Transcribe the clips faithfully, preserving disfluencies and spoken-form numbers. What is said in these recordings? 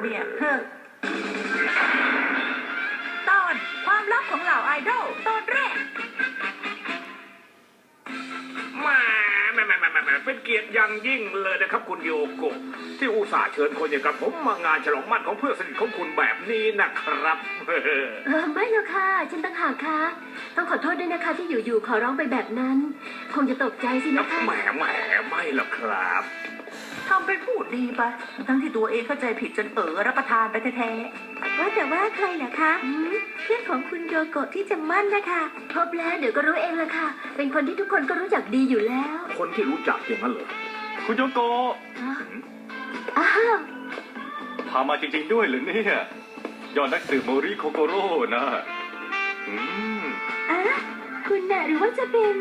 เนี่ยเฮ้อตอนความลับของเหล่าไอดอลตอนแรกมาแม่แม่แม่แม่เป็นเกียรติอย่างยิ่งเลยนะครับคุณโยโกะที่อุตส่าห์เชิญคนอย่างกับผมมางานฉลองมั่นของเพื่อนสนิทของคุณแบบนี้นะครับเออไม่หรอกค่ะฉันต่างหากค่ะต้องขอโทษด้วยนะคะที่อยู่ๆขอร้องไปแบบนั้นคงจะตกใจสินะคะแหมแหมไม่หรอกครับทำเป็นพูดดีไปทั้งที่ตัวเองเข้าใจผิดจนเออรับประทานไปแท้ๆว่าแต่ว่าใครเหรอคะเพื่อนของคุณโยโกะที่จะมั่นนะคะพบแล้วเดี๋ยวก็รู้เองละค่ะเป็นคนที่ทุกคนก็รู้จักดีอยู่แล้วคนที่รู้จักอย่างนั้นเหรอคุณโยโกะอ้าวพามาจริงๆด้วยหรือเนี่ยยอดนักสืบโมริโคโกโร่นะอืมอ่ะคุณน่ะหรือว่าจะเป็น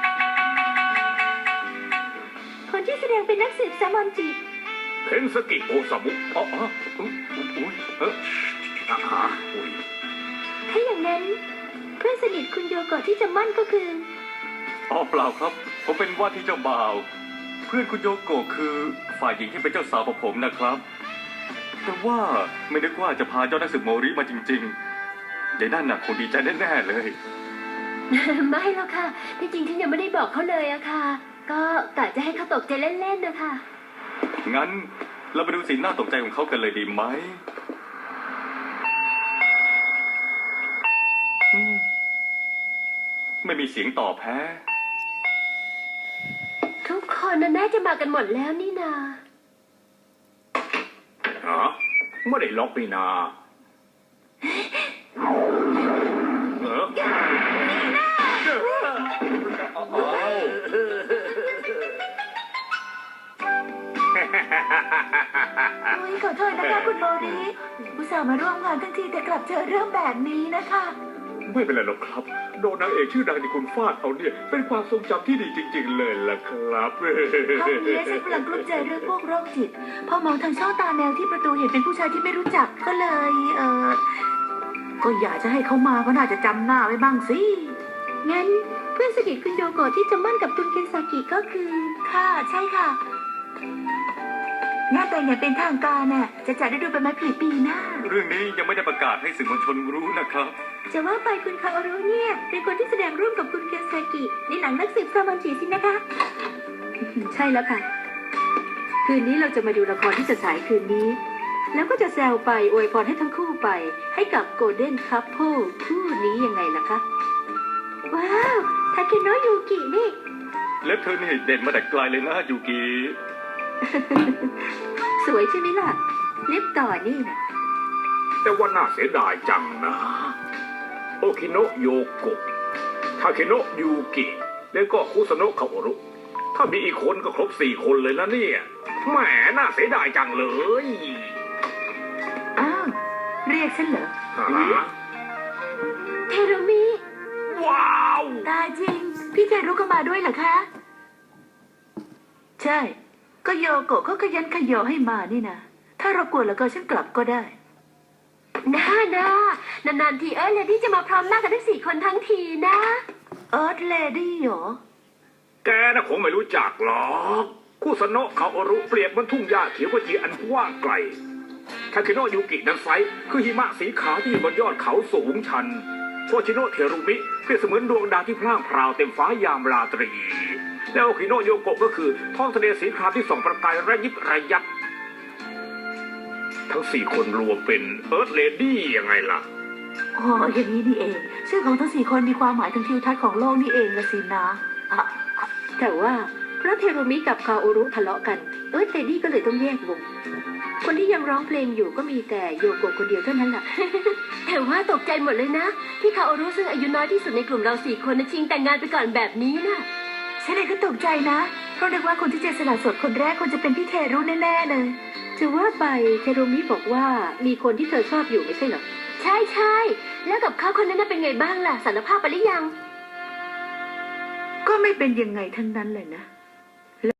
คนที่แสดงเป็นนักสืบซามอนจิเคนสกิโอซามุอ๋ออ๋ออุ้ยอุ้ยเอออ่าอุ้ยถ้าอย่างนั้นเพื่อนสนิทคุณโยโกะที่จะมั่นก็คืออ๋อเปล่าครับผมเป็นว่าที่เจ้าบ่าวเพื่อนคุณโยโกะคือฝ่ายหญิงที่เป็นเจ้าสาวของผมนะครับแต่ว่าไม่นึกว่าจะพาเจ้านักสืบโมริมาจริงๆยายนั่นน่ะคงดีใจแน่ๆเลยไม่หรอกค่ะที่จริงฉันยังไม่ได้บอกเขาเลยอะค่ะก็กะจะให้เขาตกใจเล่นๆนะคะงั้นเราไปดูสีหน้าตกใจของเขากันเลยดีไหมไม่มีเสียงตอบแพ้ทุกคนน่าจะมากันหมดแล้วนี่นาฮะไม่ได้ล็อกนี่นาเออนี่นะโอ้ยขอโทษนะคะคุณโมริอุตส่าห์มาร่วมงานทั้งทีแต่กลับเจอเรื่องแบบนี้นะคะไม่เป็นไรหรอกครับโดนนางเอกชื่อดังที่คุณฟาดเอาเนี่ยเป็นความทรงจำที่ดีจริงๆเลยล่ะครับตอนนี้ฉันกำลังกลุ้มใจเรื่องพวกโรคจิตพอมองทางช่องตาแมวที่ประตูเห็นเป็นผู้ชายที่ไม่รู้จักก็เลยเออก็อยากจะให้เขามาก็น่าจะจำหน้าไว้บ้างสิงั้นเพื่อนสนิทคุณโยโกะที่จะมั่นกับคุณเคนซากิก็คือค่ะใช่ค่ะงานแต่งอย่างเป็นทางการน่ะจะจัดได้ดูเป็นไม้ผลิปีหน้าเรื่องนี้ยังไม่ได้ประกาศให้สื่อมวลชนรู้นะครับจะว่าไปคุณคาโอรุเนี่ยเป็นคนที่แสดงร่วมกับคุณเคนซากิในหนังนักสืบซามอนจิสินะคะใช่แล้วค่ะคืนนี้เราจะมาดูละครที่จะฉายคืนนี้แล้วก็จะแซวไปอวยพรให้ทั้งคู่ไปให้กับโกลเด้นคัพเพิลคู่นี้ยังไงล่ะคะว้าวทาเคโนะยูกินี่เล็บเธอนี่เด่นมาแต่ไกลเลยนะยูกิสวยใช่ไหมล่ะเล็บต่อนี่นะแต่ว่าน่าเสียดายจังนะโอคิโนะโยโกะทาเคโนะยูกิแล้วก็คุซาโนะคาโอรุถ้ามีอีกคนก็ครบสี่คนเลยนะเนี่ยแหมน่าเสียดายจังเลยอ้าวเรียกฉันเหรอเทโรมิว้าวตายจริงพี่เทโรก็มาด้วยเหรอคะใช่ก็โยโกะเขาขยันขยอให้มานี่นะถ้ารบกวนแล้วก็ฉันกลับก็ได้น่านะนานๆทีเอิร์ธเลดี้จะมาพร้อมหน้ากันทั้งสี่คนทั้งทีนะเอิร์ธเลดี้เหรอแกน่ะคงไม่รู้จักหรอกคุซาโนะคาโอรุเปรียบเหมือนทุ่งหญ้าเขียวขจีอันกว้างไกลทาเคโนะยูกินั้นไซคือหิมะสีขาวที่บนยอดเขาสูงชันโชชิโนะเทรุมิเปรียบเสมือนดวงดาวที่พร่างพราวเต็มฟ้ายามราตรีแล้วโอคิโนะโยโกะก็คือท้องทะเลสีครามที่ส่องประกายระยิบระยับทั้งสี่คนรวมเป็นเอิร์ธเลดี้ยังไงล่ะอ๋ออย่างนี้นี่เองชื่อของทั้งสี่คนมีความหมายถึงทิวทัศน์ของโลกนี่เองละสินะแต่ว่าเพราะเทโรมิกับคาโอรุทะเลาะกันเอิร์ธเลดี้ก็เลยต้องแยกวงคนที่ยังร้องเพลงอยู่ก็มีแต่โยโกะคนเดียวเท่านั้นแหละแต่ว่าตกใจหมดเลยนะที่คาโอรุซึ่งอายุน้อยที่สุดในกลุ่มเราสี่คนชิงแต่งงานไปก่อนแบบนี้นะฉันเองก็ตกใจนะเพราะนึกว่าคนที่จะสละโสดคนแรกควรจะเป็นพี่เทโรแน่ๆเลยจะว่าไปเทโรมิบอกว่ามีคนที่เธอชอบอยู่ไม่ใช่เหรอใช่ใช่แล้วกับเขาคนนั้นเป็นไงบ้างล่ะสารภาพไปหรือยังก็ไม่เป็นยังไงทั้งนั้นเลยนะ